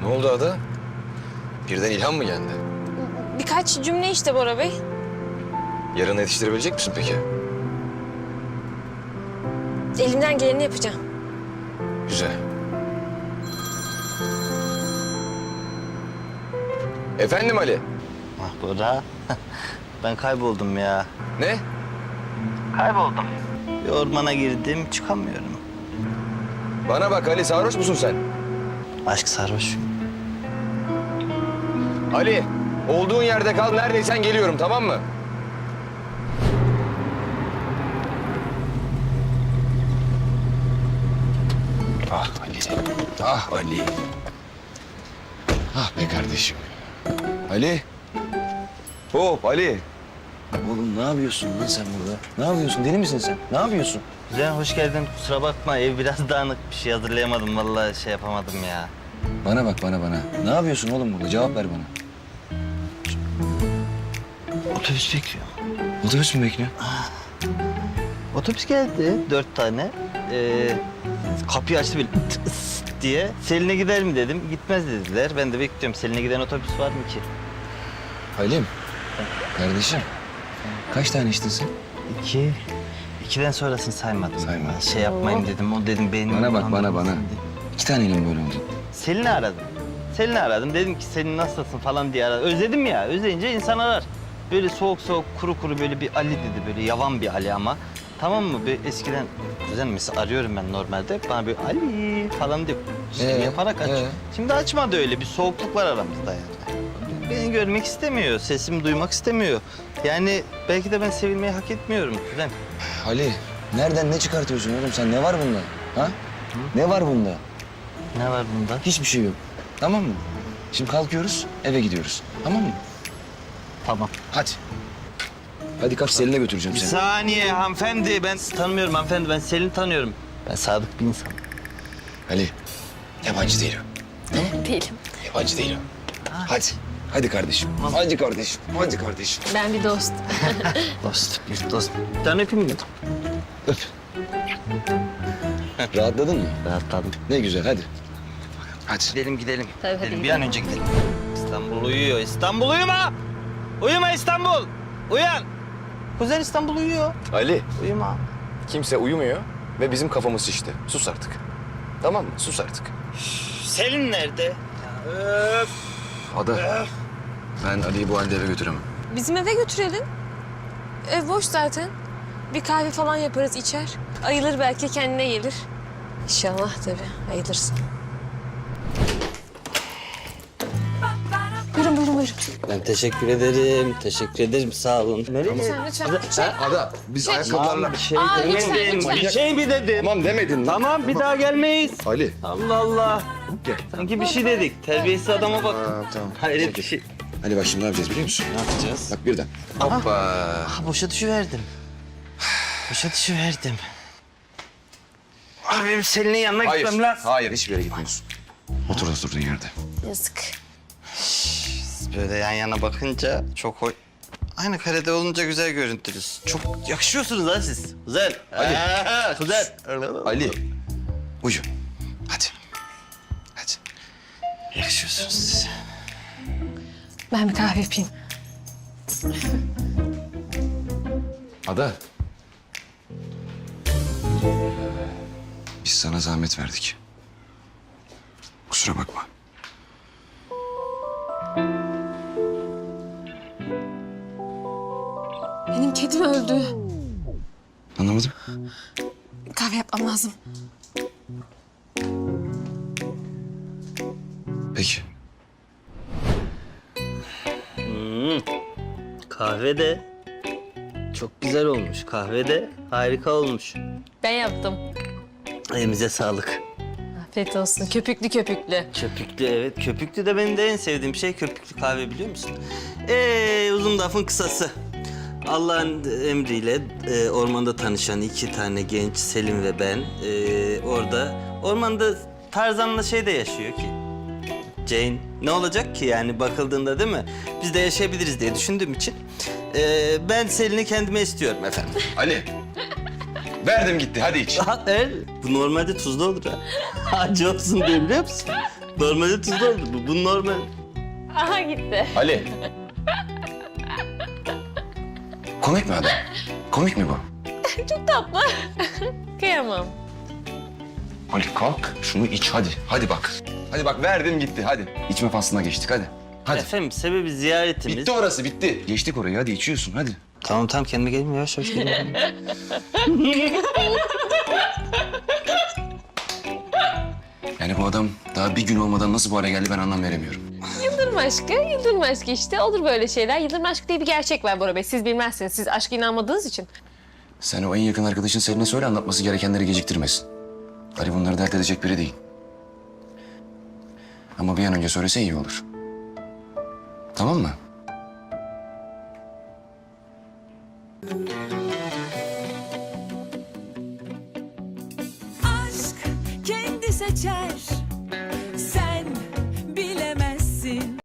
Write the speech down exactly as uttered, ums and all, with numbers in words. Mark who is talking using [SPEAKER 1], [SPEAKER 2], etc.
[SPEAKER 1] Ne oldu Ada? Birden ilham mı geldi?
[SPEAKER 2] Birkaç cümle işte Bora Bey.
[SPEAKER 1] Yarın yetiştirebilecek misin peki?
[SPEAKER 2] Elimden geleni yapacağım.
[SPEAKER 1] Güzel. Efendim Ali?
[SPEAKER 3] Ah Bora, ben kayboldum ya.
[SPEAKER 1] Ne?
[SPEAKER 3] Kayboldum. Bir ormana girdim, çıkamıyorum.
[SPEAKER 1] Bana bak Ali, sarhoş musun sen?
[SPEAKER 3] Aşk sarhoş.
[SPEAKER 1] Ali, olduğun yerde kal, neredeysen geliyorum, tamam mı? Ah Ali, ah Ali. Ah be kardeşim. Ali. Hop Ali. Oğlum ne yapıyorsun lan sen burada? Ne yapıyorsun? Deli misin sen? Ne yapıyorsun?
[SPEAKER 3] Güzel, hoş geldin. Kusura bakma, ev biraz dağınık. Bir şey hazırlayamadım, vallahi şey yapamadım ya.
[SPEAKER 1] Bana bak bana bana. Ne yapıyorsun oğlum burada? Cevap ver bana.
[SPEAKER 3] Otobüs bekliyor.
[SPEAKER 1] Otobüs mü bekliyor?
[SPEAKER 3] Otobüs geldi, dört tane. Ee, kapıyı açtı böyle tıs diye. Selin'e gider mi dedim, gitmez dediler. Ben de bekliyorum. Selin'e giden otobüs var mı ki?
[SPEAKER 1] Halim. Kardeşim. Kaç tane içtin sen?
[SPEAKER 3] İki. İkiden sonrasını saymadım.
[SPEAKER 1] Saymadın.
[SPEAKER 3] Şey yapmayayım dedim, o dedim benim...
[SPEAKER 1] Bana bak bana bana. İki taneyle mi böyle oldu?
[SPEAKER 3] Selin'i aradım. Selin'i aradım. Dedim ki Selin nasılsın falan diye aradım. Özledim ya. Özleyince insan arar. Böyle soğuk soğuk kuru kuru böyle bir Ali dedi. Böyle yavan bir Ali ama. Tamam mı? Böyle eskiden güzel mesela arıyorum ben normalde. Bana böyle Ali falan diyor. Şey
[SPEAKER 1] Ee,
[SPEAKER 3] yaparak aç.
[SPEAKER 1] ee?
[SPEAKER 3] Şimdi açmadı öyle. Bir soğukluk var aramızda yani. Beni görmek istemiyor. Sesimi duymak istemiyor. Yani belki de ben sevilmeyi hak etmiyorum. Güzel.
[SPEAKER 1] Ali, nereden ne çıkartıyorsun oğlum sen? Ne var bunda? Ha? Ne var bunda?
[SPEAKER 3] Ne var bunda?
[SPEAKER 1] Hiçbir şey yok. Tamam mı? Şimdi kalkıyoruz, eve gidiyoruz. Tamam mı?
[SPEAKER 3] Tamam.
[SPEAKER 1] Hadi. Hadi kalk Selin'e götüreceğim
[SPEAKER 3] Bir
[SPEAKER 1] seni.
[SPEAKER 3] saniye hanımefendi. Ben tanımıyorum hanımefendi. Ben Selin'i tanıyorum. Ben sadık bir insanım.
[SPEAKER 1] Ali, yabancı değil o.
[SPEAKER 2] Değilim.
[SPEAKER 1] Yabancı değil o. Hadi. Hadi kardeşim. Hadi kardeşim. Hadi kardeşim.
[SPEAKER 2] Ben bir dost.
[SPEAKER 3] Dost, bir dost. Bir tane öpeyim mi?
[SPEAKER 1] Öp. Rahatladın mı?
[SPEAKER 3] Rahatladım.
[SPEAKER 1] Ne güzel hadi. Hadi.
[SPEAKER 3] Gidelim gidelim.
[SPEAKER 2] Tabii, hadi
[SPEAKER 3] gidelim. Bir
[SPEAKER 2] gidelim.
[SPEAKER 3] an önce gidelim. İstanbul uyuyor. İstanbul uyuma! Uyuma İstanbul! Uyan! Kuzen İstanbul uyuyor.
[SPEAKER 1] Ali,
[SPEAKER 3] Uyuma.
[SPEAKER 1] kimse uyumuyor ve bizim kafamız şişti. Sus artık. Tamam mı? Sus artık.
[SPEAKER 3] Selin nerede? Ya, öf!
[SPEAKER 1] Ada, ben Ali'yi bu halde eve götüremem.
[SPEAKER 2] Bizim eve götürelim. Ev boş zaten. Bir kahve falan yaparız, içer. Ayılır belki, kendine gelir. İnşallah tabii, ayılırsın. Buyurun, buyurun, buyurun.
[SPEAKER 3] Ben teşekkür ederim. Teşekkür ederim. Sağ olun. Nereye?
[SPEAKER 2] Lütfen, lütfen.
[SPEAKER 1] Ada, biz
[SPEAKER 2] Şey-
[SPEAKER 1] ayakkabılarla...
[SPEAKER 3] Bir şey
[SPEAKER 2] Aa,
[SPEAKER 3] demedim.
[SPEAKER 2] lütfen, lütfen.
[SPEAKER 3] Bir şey mi dedim?
[SPEAKER 1] Tamam demedin.
[SPEAKER 3] Tamam bir daha gelmeyiz.
[SPEAKER 1] Ali.
[SPEAKER 3] Allah Allah.
[SPEAKER 1] Gel.
[SPEAKER 3] Sanki bir şey dedik. Terbiyesiz adama bak.
[SPEAKER 1] Aa, tamam.
[SPEAKER 3] Hayret bir şey.
[SPEAKER 1] Ali bak şimdi ne yapacağız biliyor musun?
[SPEAKER 3] Ne yapacağız?
[SPEAKER 1] Bak birden. Hoppa.
[SPEAKER 3] Ah boşa düşüverdim. Boşa düşüverdim. Abi benim Selin'in yanına
[SPEAKER 1] Hayır,
[SPEAKER 3] gitmem lazım.
[SPEAKER 1] hayır hiçbir yere gitmiyorsun. Otur oturduğun yerde.
[SPEAKER 2] Yazık.
[SPEAKER 3] Böyle yan yana bakınca çok hoş. Aynı karede olunca güzel görüntülüsünüz. Çok yakışıyorsunuz ha siz. Güzel.
[SPEAKER 1] Ali.
[SPEAKER 3] Ha, güzel.
[SPEAKER 1] Ali. Uyu. Hadi. Hadi.
[SPEAKER 3] Yakışıyorsunuz siz.
[SPEAKER 2] Ben bir kahve yapayım.
[SPEAKER 1] Ada. Biz sana zahmet verdik. Kusura bakma.
[SPEAKER 2] Benim kedim öldü.
[SPEAKER 1] Anlamadım.
[SPEAKER 2] Kahve yapmam lazım.
[SPEAKER 1] Peki.
[SPEAKER 3] Kahve de çok güzel olmuş. Kahve de harika olmuş.
[SPEAKER 2] Ben yaptım.
[SPEAKER 3] Elimize sağlık.
[SPEAKER 2] Afiyet olsun. Köpüklü köpüklü.
[SPEAKER 3] Köpüklü evet. Köpüklü de benim de en sevdiğim şey köpüklü kahve biliyor musun? Ee, uzun lafın kısası. Allah'ın emriyle e, ormanda tanışan iki tane genç Selim ve ben e, orada ormanda Tarzan'la şey de yaşıyor ki. Jane ne olacak ki yani bakıldığında değil mi? Biz de yaşayabiliriz diye düşündüğüm için e, ben Selin'i kendime istiyorum efendim.
[SPEAKER 1] Ali. Verdim gitti hadi iç.
[SPEAKER 3] Ha, evet. Bu normalde tuzlu olur ha. Acı olsun diye biliyor musun? Normalde tuzlu oldu bu. Bu normal.
[SPEAKER 2] Aha gitti.
[SPEAKER 1] Ali. Komik mi adam? Komik mi bu?
[SPEAKER 2] Çok tatlı. Kıyamam.
[SPEAKER 1] Ali kalk şunu iç hadi. Hadi bak. Hadi bak verdim gitti hadi. İçme faslına geçtik hadi. Hadi.
[SPEAKER 3] Efendim sebebi ziyaretimiz.
[SPEAKER 1] Bitti orası bitti. Geçtik orayı hadi içiyorsun hadi.
[SPEAKER 3] Tamam tamam kendime geleyim yavaş yavaş geleyim.
[SPEAKER 1] Yani bu adam daha bir gün olmadan nasıl bu hale geldi ben anlam veremiyorum.
[SPEAKER 2] Yıldırım aşkı, yıldırım aşkı işte. Olur böyle şeyler. Yıldırım aşkı diye bir gerçek var Bora Bey. Siz bilmezsiniz. Siz aşka inanmadığınız için.
[SPEAKER 1] Sen o en yakın arkadaşın Selin'e söyle anlatması gerekenleri geciktirmesin. Ali bunları dert edecek biri değil. Ama bir an önce söylese iyi olur. Tamam mı?
[SPEAKER 4] aşk kendi seçer